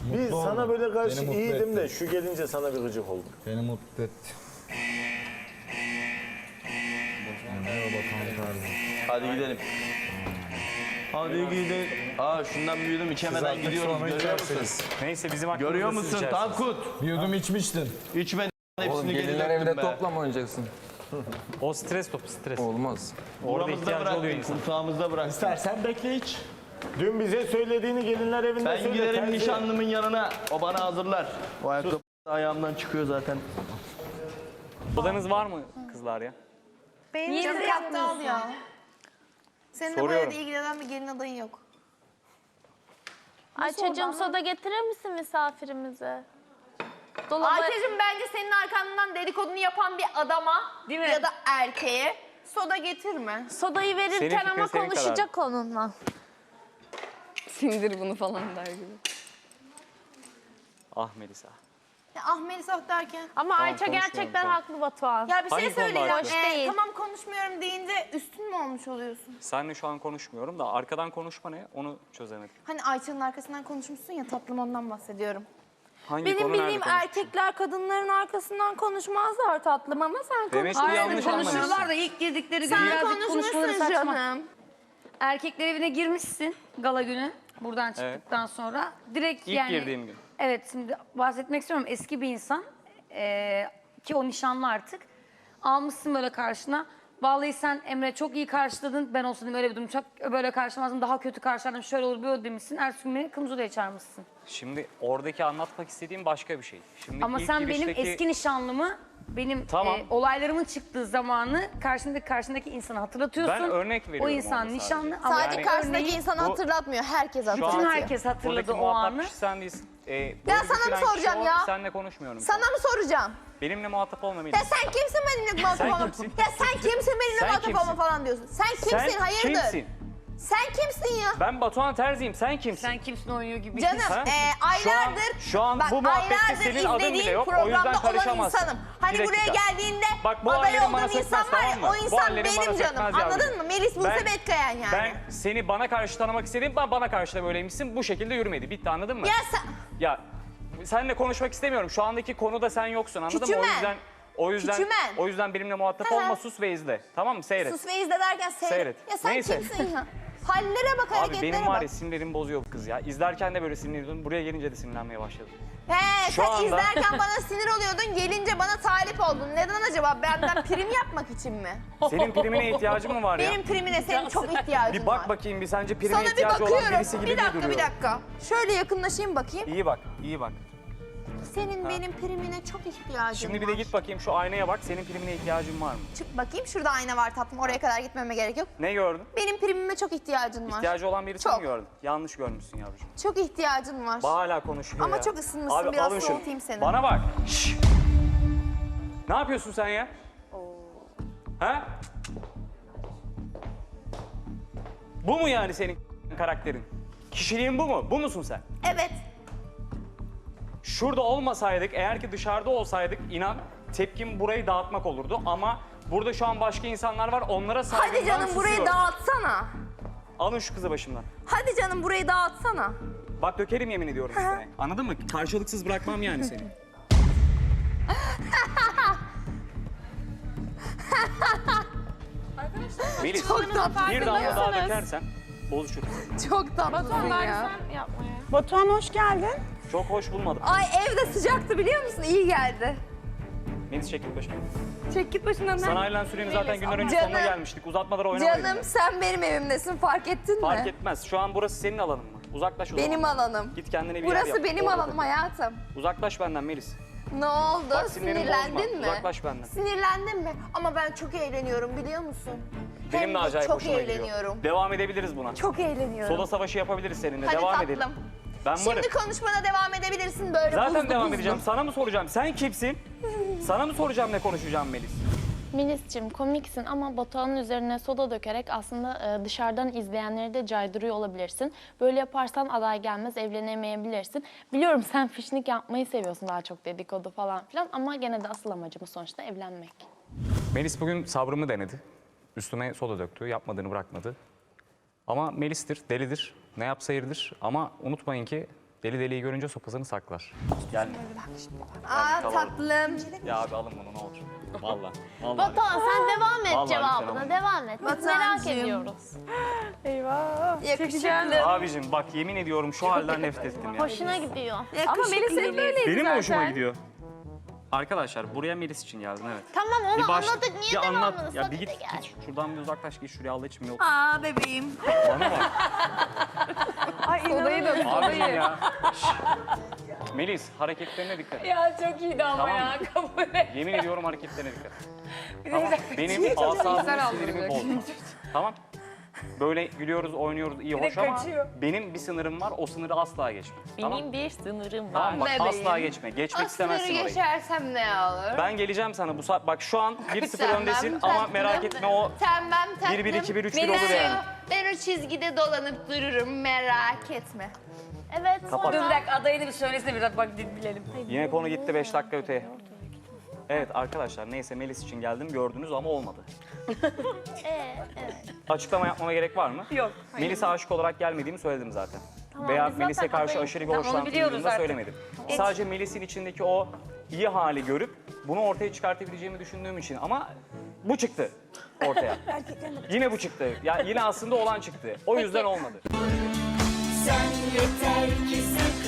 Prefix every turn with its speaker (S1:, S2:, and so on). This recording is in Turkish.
S1: Bir sana böyle karşı
S2: Beni mutlu
S1: iyiydim
S2: etti.
S1: de şu gelince sana bir gıcık oldum.
S2: Beni mutlu etti. Merhaba Tanrı.
S3: Hadi gidelim. Hadi gidelim. Aa şundan bir yudum içemeden
S2: artık
S3: gidiyoruz.
S2: sonra
S3: Görüyor musun?
S2: içersiniz.
S4: Neyse bizim hakkımızda
S3: Görüyor
S4: siz
S3: musun
S4: içersiniz.
S3: Tankut?
S2: Bir yudum içmiştin.
S3: İçmeden
S5: Oğlum
S3: hepsini geri
S5: gelinler
S3: döktüm
S5: evde
S3: be.
S5: topla mı oynayacaksın?
S4: O stres topu stres.
S5: Olmaz.
S4: Orada
S3: Buramızda
S4: ihtiyacı oluyor
S3: bırakmayın,
S4: insan.
S3: kursağımızda bırak.
S1: Sen bekle hiç. Dün bize söylediğini gelinler evinde
S3: Ben
S1: söyle.
S3: giderim
S1: terzi.
S3: nişanlımın yanına. O bana hazırlar. O ayakkabı ayağımdan çıkıyor zaten.
S4: Odanız var mı kızlar ya?
S6: Benim
S7: Niye
S6: canım
S7: bizi
S6: yattı al
S7: yapmıyorsun?
S6: ya. Senin de bu
S4: Soruyorum.
S6: evde ilgilenen bir gelin adayın yok.
S7: Ayça'cığım soda getirir misin misafirimize? Dolaba...
S6: Ayça'cığım bence senin arkandan dedikodunu yapan bir adama
S7: Değil mi?
S6: ya da erkeğe soda getirme.
S7: Sodayı verirken
S4: Senin fikrin
S7: ama
S4: senin
S7: konuşacak onunla.
S8: Sindir bunu falan der gibi.
S4: Ah Melisa.
S6: Ya ah Melisa derken.
S7: Ama Ayça
S4: konuşmuyorum
S7: gerçekten
S4: şu an.
S7: haklı Batuhan.
S6: Ya bir şey
S4: Hangi konuda
S6: söyleyeceğim.
S4: haklı?
S7: Hoş değil.
S6: Tamam konuşmuyorum deyince üstün mü olmuş oluyorsun?
S4: Seninle şu an konuşmuyorum da arkadan konuşma ne? Onu çözemedim.
S6: Hani Ayça'nın arkasından konuşmuşsun ya tatlım ondan bahsediyorum.
S4: Hangi
S7: Benim
S4: konu nerede
S7: bildiğim
S4: konuştun?
S7: erkekler kadınların arkasından konuşmazlar tatlım ama sen
S4: Demek ki
S7: konuş.
S4: yanlış anlamışsın.
S8: Konuşurlar da ilk girdikleri gün
S6: Sen
S8: birazcık konuşmaları
S6: konuşmuşsun
S8: saçma.
S6: canım.
S8: Erkekler evine girmişsin gala günü buradan çıktıktan sonra. Direkt
S4: İlk
S8: yani.
S4: girdiğim gün.
S8: Evet şimdi bahsetmek istiyorum eski bir insan ki o nişanlı artık. Almışsın böyle karşına. Vallahi sen Emre çok iyi karşıladın. Ben olsaydım öyle bir durum çok böyle karşılamazdım. Daha kötü karşılardım. Şöyle olur böyle demişsin. Ertesi gün beni kırmızı odaya çağırmışsın.
S4: Şimdi oradaki anlatmak istediğim başka bir şey. Şimdi
S8: Ama
S4: ilk
S8: sen benim
S4: girişteki-
S8: eski nişanlımı, benim
S4: Tamam.
S8: olaylarımın çıktığı zamanı karşındaki insanı hatırlatıyorsun.
S4: Ben örnek veriyorum
S8: O insan
S4: orada
S8: nişanlı
S4: sadece.
S8: ama
S6: Sadece
S4: Yani
S6: karşısındaki
S8: örneği
S6: insanı
S4: bu-
S6: hatırlatmıyor. Herkes
S4: Şu an-
S6: hatırlatıyor.
S8: bütün herkes hatırladı
S4: Buradaki
S8: o
S4: muhatap
S8: anı.
S4: kişi sen değilsin.
S6: Ya
S4: Böyle
S6: sana mı
S4: düşünen kişi
S6: soracağım
S4: o,
S6: ya?
S4: Seninle konuşmuyorum.
S6: Sana mı soracağım?
S4: Benimle muhatap olma
S6: Ya
S4: Melisa.
S6: sen kimsin benimle muhatap
S4: Sen
S6: olma?
S4: kimsin?
S6: Ya sen kimsin benimle
S4: Sen
S6: muhatap
S4: kimsin?
S6: olma falan diyorsun. Sen kimsin?
S4: Sen
S6: Hayırdır?
S4: kimsin?
S6: Sen kimsin ya?
S4: Ben Batuhan Terzi'yim. Sen kimsin?
S8: Sen kimsin oynuyor gibi.
S6: Canım
S4: Ha?
S6: aylardır
S4: Şu an bu muhabbette
S6: aylardır
S4: senin adın bile
S6: izlediğim
S4: yok. O yüzden
S6: programda olan
S4: karışamazsın.
S6: insanım. Hani
S4: Bir
S6: buraya
S4: dakika.
S6: geldiğinde
S4: Bak, bu
S6: aday
S4: hallerin bana
S6: olduğum insan
S4: sökmez,
S6: var ya
S4: tamam mı?
S6: o
S4: Bu
S6: insan
S4: hallerin bana
S6: benim canım.
S4: sökmez yavrucuğum.
S6: Anladın mı? Melis Buse Betkayan yani.
S4: Ben seni bana karşı tanımak istedim. Bana karşı da böyleymişsin. Bu şekilde yürümedi. Bitti, anladın mı?
S6: Ya sen...
S4: Ya seninle konuşmak istemiyorum. Şu andaki konuda sen yoksun, anladın mı?
S6: Küçümen.
S4: O yüzden benimle muhatap olma, sus ve izle. Tamam mı? Seyret.
S6: Sus ve izle derken
S4: Seyret.
S6: Ya sen
S4: Neyse.
S6: kimsin ya? Hallere bak,
S4: Abi
S6: hareketlere
S4: benim var ya
S6: bak.
S4: sinirlerimi bozuyor bu kız ya. İzlerken de böyle sinirliyordum. Buraya gelince de sinirlenmeye başladım.
S6: He
S4: Şu
S6: sen
S4: anda-
S6: izlerken bana sinir oluyordun, gelince bana talip oldun. Neden acaba? Benden prim yapmak için mi?
S4: Senin primine ihtiyacın mı var ya?
S6: Benim primine senin çok ihtiyacın
S4: Bir
S6: var.
S4: bak bakayım bir, sence prime
S6: Sana bir
S4: ihtiyacı olan
S6: bakıyorum.
S4: birisi gibi
S6: Bir dakika,
S4: duruyor.
S6: bir dakika. Şöyle yakınlaşayım bakayım.
S4: İyi bak, iyi bak.
S6: Senin benim primine çok ihtiyacın
S4: Şimdi bir
S6: var.
S4: de git bakayım şu aynaya bak. Senin primine ihtiyacın var mı?
S6: Çık bakayım, şurada ayna var tatlım. Oraya kadar gitmeme gerek yok.
S4: Ne gördün?
S6: Benim primime çok ihtiyacın var.
S4: İhtiyacı olan birisini
S6: Çok.
S4: mi gördün? Yanlış görmüşsün yavrucuğum.
S6: Çok ihtiyacın var.
S4: Bak hala konuşuyor
S6: Ama
S4: ya.
S6: çok ısınmışsın, biraz
S4: alın şunu.
S6: soğutayım seni.
S4: Bana bak. Şşş. Ne yapıyorsun sen ya? Ha? Bu mu yani senin karakterin? Kişiliğin bu mu? Bu musun sen?
S6: Evet.
S4: Şurada olmasaydık, eğer ki dışarıda olsaydık inan tepkim burayı dağıtmak olurdu ama burada şu an başka insanlar var, onlara saygımdan
S6: Hadi canım burayı
S4: susuyorum.
S6: dağıtsana.
S4: Alın şu kızı başımdan.
S6: Hadi canım burayı dağıtsana.
S4: Bak dökerim yemin ediyorum üstüne. Anladın mı? Karşılıksız bırakmam yani seni. Melis,
S6: Çok tatlısın
S4: bir damla
S6: ya.
S4: daha dökersen bozuşuruz.
S6: Çok tatlısın ya.
S7: Batuhan hoş geldin.
S4: Çok hoş bulmadım.
S6: Ay evde sıcaktı biliyor musun? İyi geldi.
S4: Melis çekil başıma.
S6: Çek git başından.
S4: Sana ayrılan sürenin zaten günler önce
S6: Canım.
S4: sonuna gelmiştik. Uzatmadan oynamayın.
S6: Canım sen benim evimdesin, fark ettin
S4: Fark
S6: mi?
S4: etmez. Şu an burası senin alanın mı? Uzaklaş o
S6: Benim
S4: zaman.
S6: alanım.
S4: Git kendine bir yer
S6: Burası
S4: yap.
S6: benim
S4: Orada
S6: alanım
S4: dur.
S6: hayatım.
S4: Uzaklaş benden Melis.
S6: Ne oldu?
S4: Bak sinirlerimi
S6: Sinirlendin
S4: bozma.
S6: mi?
S4: Uzaklaş benden.
S6: Sinirlendin mi? Ama ben çok eğleniyorum biliyor musun?
S4: Benim
S6: Hem
S4: de
S6: de
S4: acayip
S6: çok
S4: hoşuma
S6: eğleniyorum.
S4: gidiyor. Devam edebiliriz buna.
S6: Çok eğleniyorum.
S4: Soda savaşı yapabiliriz seninle.
S6: Hadi
S4: devam
S6: tatlım.
S4: edelim. Ben varım.
S6: Şimdi konuşmana devam edebilirsin böyle
S4: Zaten
S6: buzlu
S4: devam
S6: buzlu.
S4: edeceğim. Sana mı soracağım? Sen kimsin? Sana mı soracağım ne konuşacağım Melis?
S7: Melis'ciğim komiksin ama Batuhan'ın üzerine soda dökerek aslında dışarıdan izleyenleri de caydırıyor olabilirsin. Böyle yaparsan aday gelmez, evlenemeyebilirsin. Biliyorum sen fişnik yapmayı seviyorsun, daha çok dedikodu falan filan ama gene de asıl amacımız sonuçta evlenmek.
S4: Melis bugün sabrımı denedi. Üstüme soda döktü. Yapmadığını bırakmadı. Ama Melis'tir, delidir. Ne yapsa yeridir. Ama unutmayın ki Deli deliyi görünce sopasını saklar. Gelme.
S6: Aa
S4: tamam.
S6: tatlım.
S4: Ya abi alın bunu ne olur. Vallahi. Vallahi.
S7: Batuhan sen devam et
S4: Vallahi
S7: cevabına.
S4: lütfen
S7: Devam et. Biz merak
S6: Batuhancığım.
S7: ediyoruz.
S6: Yakışıklı.
S4: Abicim bak yemin ediyorum şu halden nefret ettim ya.
S7: Hoşuna gidiyor.
S6: Ama Melis'in böyleydi
S4: Benim mi hoşuma gidiyor? Arkadaşlar buraya Melis için geldim evet.
S7: Tamam onu anladık. Niye
S4: bir anlat.
S7: devamını?
S4: Ya bir
S7: Hadi
S4: git,
S7: gel.
S4: git şuradan bir uzaklaş git şuraya Allah için yok.
S6: Aa bebeğim.
S4: Bana bak.
S8: Odayı da
S4: Abicim ya. Şşş. Melis hareketlerine dikkat et.
S8: Ya çok iyiydi ama
S4: Tamam
S8: ya
S4: mı?
S8: kabul et.
S4: Yemin ediyorum hareketlerine dikkat et. Tamam. Benim asabımı sinirimi bozma. Tamam. Böyle gülüyoruz, oynuyoruz iyi hoş ama
S8: kaçıyor.
S4: benim bir sınırım var. O sınırı asla geçme. Tamam.
S7: Benim bir sınırım var.
S4: Tamam bak
S6: Bebeğim.
S4: asla geçme. Geçmek istemezsin orayı.
S6: geçersem ne olur?
S4: Ben geleceğim sana bu saat. Bak şu an 1-0
S6: Tamam,
S4: öndesin ama
S6: tatlım.
S4: merak etme o
S6: Tamam tatlım.
S4: 1-1-2-1-3-1 olur yani.
S6: Ben o çizgide dolanıp dururum merak etme.
S7: Evet
S4: Kapat.
S8: Dur
S7: sonra.
S8: bir dakika adayını bir söylesene biraz bak bilelim.
S4: Yine konu gitti 5 dakika öteye. Evet arkadaşlar neyse Melis için geldim gördünüz ama olmadı.
S7: Evet.
S4: Açıklama yapmama gerek var mı?
S8: Yok.
S4: Melis'e aşık olarak gelmediğimi söyledim zaten.
S7: biz
S4: Veya
S7: zaten
S4: Melis'e karşı
S7: adayız.
S4: aşırı bir
S8: Tamam, onu
S4: hoşlantım
S8: biliyoruz
S4: duyduğumu da
S8: zaten.
S4: söylemedim. Sadece Melis'in içindeki o iyi hali görüp bunu ortaya çıkartabileceğimi düşündüğüm için ama bu çıktı ortaya. Yine bu çıktı. Ya yine aslında olan çıktı. O yüzden olmadı.
S5: Sen yeter ki sen